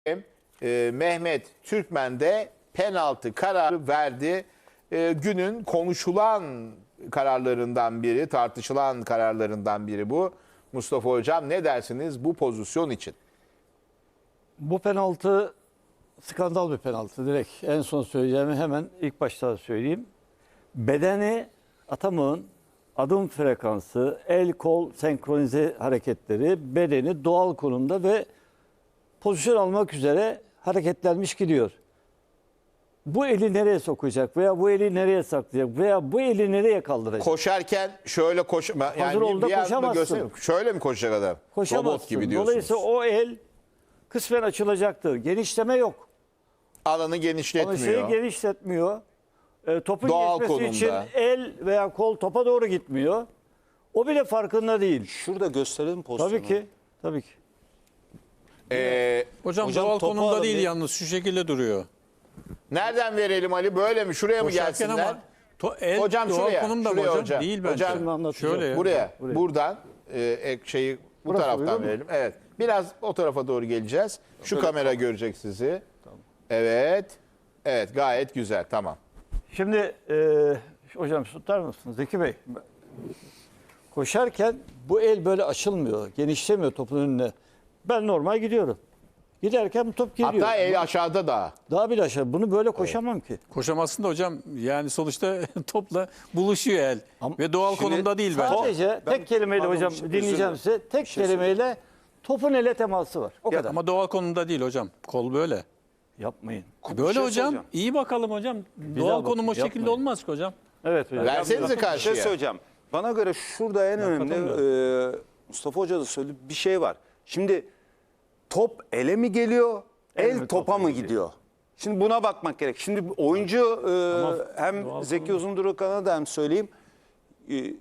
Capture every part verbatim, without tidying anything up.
e, Mehmet Türkmen de penaltı kararı verdi. E, günün konuşulan kararlarından biri, tartışılan kararlarından biri bu. Mustafa Hocam ne dersiniz bu pozisyon için? Bu penaltı skandal bir penaltı direkt. En son söyleyeceğimi hemen ilk başta söyleyeyim. Bedeni Atamık'ın adım frekansı, el kol senkronize hareketleri bedeni doğal konumda ve pozisyon almak üzere hareketlenmiş gidiyor. Bu eli nereye sokacak veya bu eli nereye saklayacak veya bu eli nereye kaldıracak? Koşarken şöyle koş yani Hazır ol da bir anda koşamazsın. göster- şöyle mi koşacak adam? Koşamazsın. Robot gibi diyorsunuz. Dolayısıyla o el kısmen açılacaktır. Genişleme yok. Alanı Ama genişletmiyor. şeyi genişletmiyor. E, topun Doğal geçmesi konumda. için el veya kol topa doğru gitmiyor. O bile farkında değil. Şurada gösterelim pozisyonu. Tabii ki. Tabii ki. Ee, Hocam, Hocam doğal topu konumda alın değil bir. yalnız şu şekilde duruyor. nereden verelim Ali? Böyle mi? Şuraya mı Koşarken gelsinler? ama to, el Hocam doğal şuraya, konumda mı şuraya hocam? hocam. Değil bence. Hocam, Şimdi anlatacağım. Şöyle. Buraya, Buraya. buradan e, ek şeyi bu Burası taraftan uyuyor mu? verelim. Evet. Biraz o tarafa doğru geleceğiz. Şu kamera görecek sizi. Evet. Evet, gayet güzel. Tamam. Şimdi e, hocam tutar mısınız Zeki Bey? Koşarken bu el böyle açılmıyor. Genişlemiyor topun önüne. Ben normal gidiyorum. Giderken bu top geliyor. Hatta el aşağıda da. Daha bir aşağı. Bunu böyle koşamam ki. Koşamazsın da hocam, yani sonuçta topla buluşuyor el. Ama Ve doğal şimdi konumda değil bence. Sadece Ben- tek kelimeyle pardon, hocam bir şey- dinleyeceğim özür size. Tek şey kelimeyle topun ele teması var. O kadar. Ama doğal konumda değil hocam. Kol böyle. Yapmayın. Böyle şey hocam. soracağım. İyi bakalım hocam. daha Doğal bakın, konum o şekilde yapmayın. olmaz ki hocam. Evet hocam. Versenize Bir karşıya. şey söyleyeceğim. Bana göre şurada en önemli e, Mustafa Hoca da söyledi, bir şey var. Şimdi top ele mi geliyor, el, mi, topa topa mı mı gidiyor? Şimdi buna bakmak gerek. Şimdi oyuncu e, hem Zeki Uzundurukhan'a da hem söyleyeyim. E,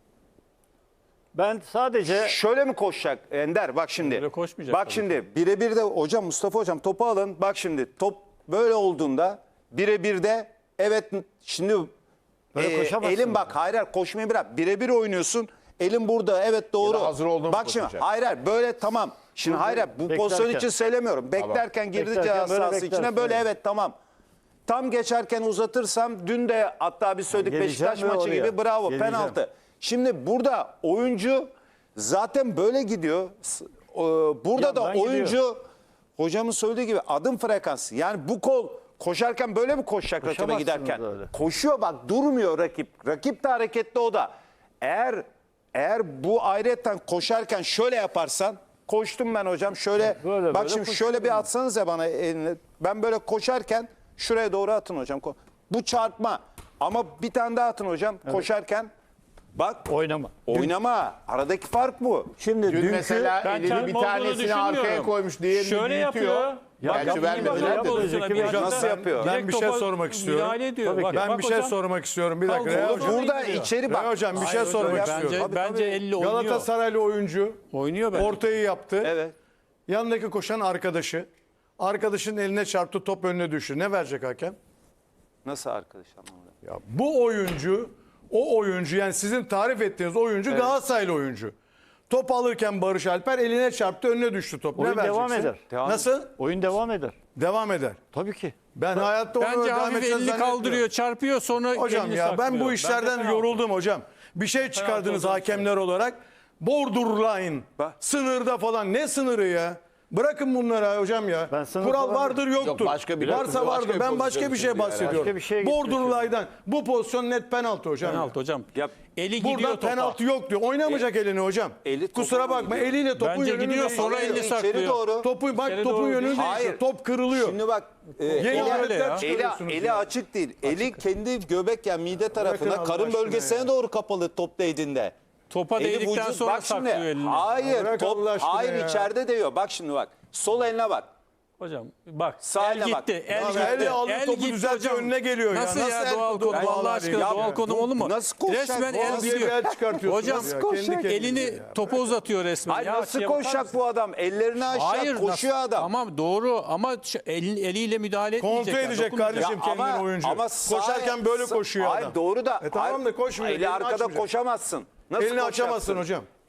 Ben sadece Şöyle mi koşacak Ender? Bak şimdi. Öyle koşmayacak Bak tabii şimdi birebir de hocam Mustafa hocam topu alın. Bak şimdi top böyle olduğunda birebir de evet şimdi Böyle e, koşamazsın elin bak yani. hayır hayır koşmayı bırak. Birebir oynuyorsun. Elin burada evet doğru. Ya da hazır olduğunu Bak şimdi koşacak. hayır hayır böyle tamam. Şimdi hayır hayır bu beklerken. pozisyon için söylemiyorum. Beklerken girdi Beklerken ceza böyle sahası beklersin, içine böyle evet. evet tamam. Tam geçerken uzatırsam dün de hatta biz söyledik Geleceğim Beşiktaş ve maçı oraya. gibi bravo Geleceğim. penaltı. Şimdi burada oyuncu zaten böyle gidiyor. S- e, Burada da Yandan oyuncu gidiyor. hocamın söylediği gibi adım frekansı. Yani bu kol koşarken böyle mi koşacak rakibe Koşamazsınız giderken? öyle. Koşuyor bak durmuyor rakip. Rakip de hareketli o da. Eğer eğer bu ayrıyetten koşarken şöyle yaparsan koştum ben hocam şöyle Böyle, bak böyle şimdi şöyle bir atsanız ya bana elini. Ben böyle koşarken şuraya doğru atın hocam. Ko- Bu çarpma. Ama bir tane daha atın hocam koşarken. Bak oynama. oynama. Aradaki fark bu. Şimdi Dün dünkü mesela Ben elini çarpma bir olduğunu tanesini arkaya düşünmüyorum. koymuş, diğerini Şöyle büyütüyor. yapıyor. Ya Gerçi yapmayın vermediler bak, de. yapın. Pozisyona Zeki bir Bey, anda nasıl yapıyor? direkt Ben bir şey topa sormak istiyorum. müdahale ediyor. Tabii Bak, ki. Ben bak bir şey hocam. sormak istiyorum. Bir dakika. Kalk, Reha o hocam. zaman Burada gidiyor. içeri bak. Reha hocam bir şey Hayır sormak hocam, Bence, istiyorum. bence elli oynuyor. Galatasaraylı oyuncu Oynuyor bence. ortayı yaptı. Evet. Yanındaki koşan arkadaşı. Arkadaşın eline çarptı, top önüne düştü. Ne verecek hakem? Nasıl arkadaş anlamadım. Ya bu oyuncu, o oyuncu yani sizin tarif ettiğiniz oyuncu Galatasaraylı oyuncu. Top alırken Barış Alper eline çarptı, önüne düştü top. Oyun ne devam vereceksin? eder. Devam- Nasıl? oyun devam eder. Devam eder. Tabii ki. Ben hayatta onu Bence devam hafif edeceğini elini zannetmiyorum. kaldırıyor, çarpıyor, sonra Hocam elini ya ben saklıyor. bu işlerden Bence yoruldum hocam. Bir şey çıkardınız olduğunu hakemler olarak. Borderline, Bak. sınırda falan. Ne sınırı ya? Bırakın bunları hocam ya. Ben sınır Kural falan- vardır yoktur. Yok, başka bir- Varsa başka vardır. bir Ben başka pozisyon bir şey için bahsediyorum. Başka bir şeye Borderline'dan. Bu pozisyon net penaltı hocam. Penaltı hocam. Yap. Eli gidiyor Burada topa. penaltı yok diyor. Oynamayacak elini hocam. eli topa Kusura mı bakma gidiyor? eliyle topun Bence yönünü gidiyor, değiştiriyor. sonra elini İçeri saklıyor. doğru. Topu bak İçeri topun doğru yönünü değil. değiştiriyor. Hayır. Top kırılıyor. Şimdi bak e, Yeni eli, aletler ya. eli, çıkarıyorsunuz eli ya. açık değil. Eli kendi göbek yani mide tarafına Allah karın aşkına bölgesine ya. doğru kapalı top değdiğinde. Topa Eli değdikten vücut- sonra bak şimdi, saklıyor elini. Hayır Bırak top Allah aşkına hayır ya. içeride değiyor. Bak şimdi bak. Sol eline bak. Hocam bak, Sağ el eline bak. gitti, el Abi, gitti. elle aldı, el topu gitti düzeltiyor, hocam. önüne geliyor ya. Nasıl ya, Nasıl el doğal topu konum, Allah vallahi aşkına ya? doğal konum olur mu? Nasıl koşacak? Resmen Bu el nasıl diye bir gidiyor. el çıkartıyorsunuz Hocam ya, kendi kendinize elini ya. topa uzatıyor resmen. Hayır Ya, nasıl açıya bakar koşacak mısın? bu adam? Ellerini aşağı Hayır, koşuyor nasıl- adam. Tamam doğru ama ş- el, eliyle müdahale etmeyecek. Kontrol yani, edecek dokunmayacak. kardeşim kendini oyuncu. sağ- Koşarken böyle sağ- koşuyor Hayır adam. doğru da. E tamam da hayır, koşmuyor, Eli elini arkada açmayacak. koşamazsın. Nasıl Elini koşacaksın? açamazsın hocam.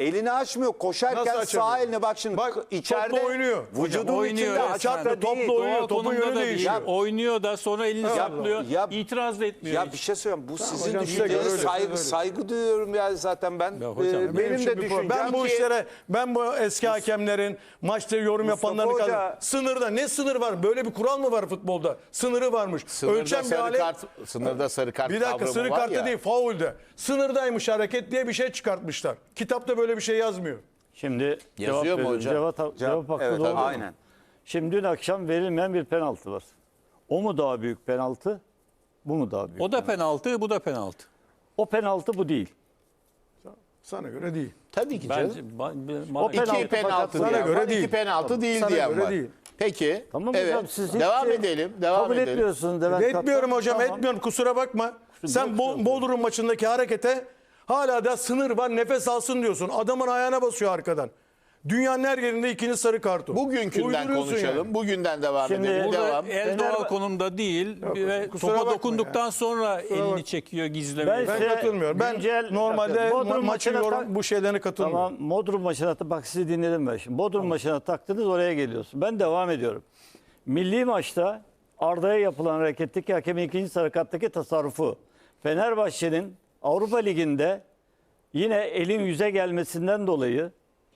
Elini açmıyor. Koşarken Nasıl sağ açamıyor? elini bak şimdi Bak, içeride topla oynuyor. vücudun Oynuyor içinde resmen. açar da Topla değil. oynuyor. Doğal topun konumda yönü da değişiyor. değil. Oynuyor da sonra elini saplıyor. ya- itiraz da etmiyor. Ya hiç. bir şey söyleyeyim. Bu sizin hocam size göre düşünceniz öyle, saygı, öyle. saygı duyuyorum ya zaten ben. Ya hocam, Ee, benim benim için de bir problem. düşüncem Ben bu ki- işlere, ben bu eski hakemlerin maçta yorum Mustafa yapanların Hoca- kadar sınırda ne sınır var? Böyle bir kural mı var futbolda? Sınırı varmış. Sınırda Ölçen bir sarı alet. kart, sınırda sarı kart Bir dakika kavramı sarı var kartı ya. değil, faulde. Sınırdaymış hareket diye bir şey çıkartmışlar. Kitapta böyle bir şey yazmıyor. Şimdi Yazıyor cevap mu veriyorum. hocam? Cevap, cevap hakkı Evet, doğru mu? aynen. Şimdi dün akşam verilmeyen bir penaltı var. O mu daha büyük penaltı? Bu mu daha büyük? O da penaltı, bu da penaltı. O penaltı bu değil. Sana göre değil. Tabii ki canım. Bence ba- O ba- penaltı İki penaltı Sana diyen göre var, değil. iki penaltı değil Sana diyen göre var. değil. Peki, Tamam evet, hocam siz hiç devam şey edelim, devam kabul edelim. etmiyorsunuz Levent Etmiyorum Kaptan. hocam, Tamam. etmiyorum. Kusura bakma. Sen yok, Bo- yok. Bodrum maçındaki harekete hala da sınır var, nefes alsın diyorsun. Adamın ayağına basıyor arkadan. Dünyanın her yerinde ikinci sarı kartı. Bugünkünden Uyduruyorsun konuşalım, yani. bugünden devam Şimdi edelim. burada Devam. El Fener- doğal konumda değil ve kusura topa bakma dokunduktan ya. sonra elini bakma. çekiyor, gizlemiyor. Ben Ben size katılmıyorum. Ben güncel- normalde Bakın, ma- Bodrum maçı maçına yorum tak- bu şeylerine katılmıyorum. Tamam Bodrum maçına ta- bak sizi dinledim ben şimdi. Bodrum maçına taktınız oraya geliyorsun. Ben devam ediyorum. Milli maçta Arda'ya yapılan hareketteki hakemin ikinci sarı karttaki tasarrufu. Fenerbahçe'nin Avrupa Ligi'nde yine elin yüze gelmesinden dolayı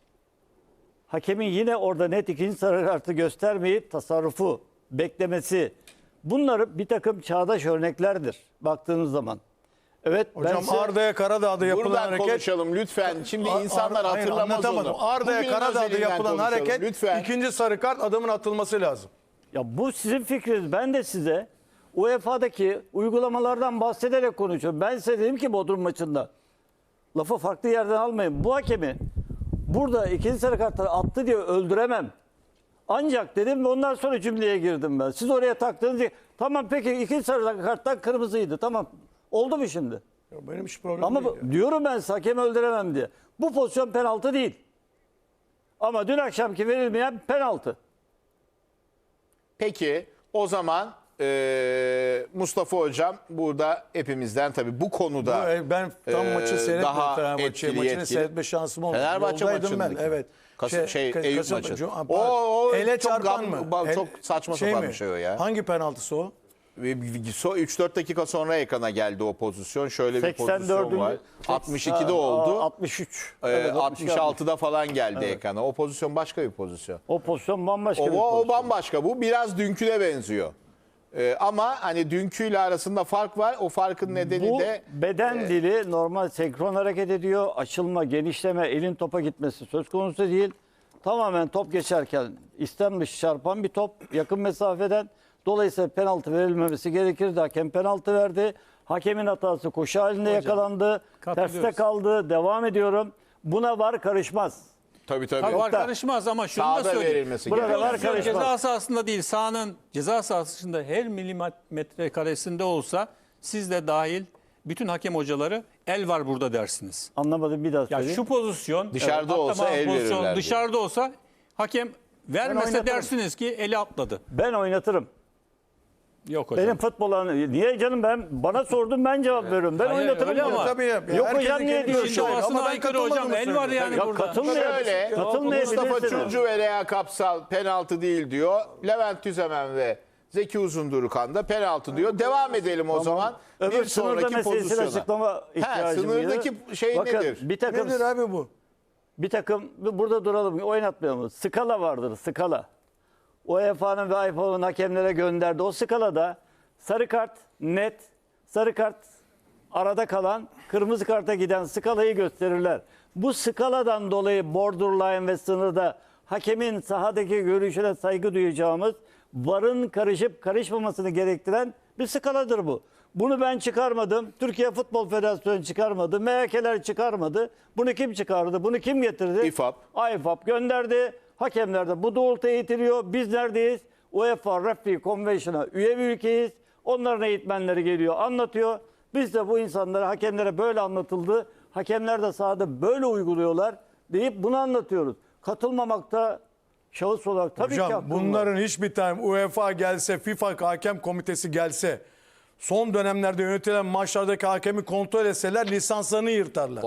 hakemin yine orada net ikinci sarı kartı göstermeyip tasarrufu, beklemesi. Bunlar bir takım çağdaş örneklerdir baktığınız zaman. Evet ben Hocam size- Arda'ya Karadağ'da yapılan Buradan hareket konuşalım lütfen. Şimdi Ar- insanlar Ar- hayır, hatırlamaz anlatamadım. onu. Arda'ya Bugünün Karadağ'da özelinden yapılan konuşalım, hareket lütfen. ikinci sarı kart adamın atılması lazım. Ya bu sizin fikriniz. Ben de size U E F A'daki uygulamalardan bahsederek konuşuyorum. Ben size dedim ki Bodrum maçında lafı farklı yerden almayın. Bu hakemi burada ikinci sarı kartları attı diye öldüremem. Ancak dedim ve ondan sonra cümleye girdim ben. Siz oraya taktınız diye. Tamam peki ikinci sarı karttan kırmızıydı. Tamam. Oldu mu şimdi? Ya benim hiç problemim Ama değil. bu- ya. diyorum ben size hakemi öldüremem diye. Bu pozisyon penaltı değil. Ama dün akşamki verilmeyen penaltı. Peki o zaman eee, Mustafa Hocam burada hepimizden tabii bu konuda Bu, e, ben tam eee, maçı seyretmedim daha Fenerbahçe etkili, maçını yetkili. seyretme şansım olmadı. Fenerbahçe Yoldaydım maçındaki. ben. Evet. Kasım- şey, Ka- Eyüp Kasım- maçı. Cu- O- o ele çok çarpan gam- mı? ba- El- çok saçma sapan mi? bir şey o ya. Hangi penaltısı o? üç dört dakika sonra ekrana geldi o pozisyon. Şöyle bir pozisyon seksen dördüncü var. altmış ikide Aa, oldu. altmış üç. Ee, Evet, altmış altıda falan geldi ekrana. O pozisyon başka bir pozisyon. O pozisyon bambaşka O, bir o pozisyon. bambaşka. Bu biraz dünküne benziyor. Ee, ama hani dünküyle arasında fark var. O farkın nedeni Bu de beden dili normal senkron hareket ediyor. Açılma, genişleme, elin topa gitmesi söz konusu değil. Tamamen top geçerken istenmiş çarpan bir top yakın mesafeden. Dolayısıyla penaltı verilmemesi gerekirdi. Hakem penaltı verdi. Hakemin hatası koşu halinde yakalandı. katılıyoruz. Terste kaldı. Devam ediyorum. Buna var karışmaz. tabii tabii. Tabii var Nokta. karışmaz ama şunu da Sahada söyleyeyim. verilmesi Burada gerekiyor. var Pozisyon karışmaz. ceza sahasında değil, sahanın ceza sahasında her milimetre karesinde olsa siz de dahil bütün hakem hocaları el var burada dersiniz. Anlamadım bir daha Ya söyleyeyim. şu pozisyon Dışarıda evet, olsa atlama el pozisyon verirlerdi. Dışarıda olsa hakem vermese oynatırım. dersiniz ki eli atladı. Ben oynatırım. Yok hocam. Benim futbola niye canım ben bana sordun ben cevap veriyorum. Ben Hayır, oynatırım. öyle diyorum. ama- Tabii ya. Yok Herkesin hocam niye kendi diyorsun? İşin görüşü var. doğasına Ama ben aykırı hocam. katılmadığımı El var yani söylüyorum. Ya burada. katılmayabilir. Şöyle Mustafa Katılmayabilirsiniz. Çocuğu ve Rea Kapsal penaltı değil diyor. Levent Tüzemen ve Zeki Uzundurukan da penaltı diyor. Devam edelim o zaman. Öbür Bir sınırda sonraki meselesini pozisyona. açıklama ihtiyacım var. sınırdaki şey Bakın, nedir? Bir takım, Nedir abi bu? bir takım burada duralım oynatmayalım. Skala vardır skala. U E F A'nın ve I F A B'nin hakemlere gönderdi. O skalada sarı kart net, sarı kart arada kalan, kırmızı karta giden skalayı gösterirler. Bu skaladan dolayı borderline ve sınırda hakemin sahadaki görüşüne saygı duyacağımız VAR'ın karışıp karışmamasını gerektiren bir skaladır bu. Bunu ben çıkarmadım. Türkiye Futbol Federasyonu çıkarmadı. M H K'ler çıkarmadı. Bunu kim çıkardı? Bunu kim getirdi? İ F A B. I F A B gönderdi. Hakemler de bu doğrultuya itiliyor. Biz neredeyiz? UEFA Referee Convention'a üye bir ülkeyiz. Onların eğitmenleri geliyor, anlatıyor. Biz de bu insanlara, hakemlere böyle anlatıldı. Hakemler de sahada böyle uyguluyorlar deyip bunu anlatıyoruz. Katılmamakta şahıs olarak tabii ki Hocam hakkım var. bunların hiçbir tane UEFA gelse, FIFA hakem komitesi gelse son dönemlerde yönetilen maçlardaki hakemi kontrol etseler lisanslarını yırtarlar.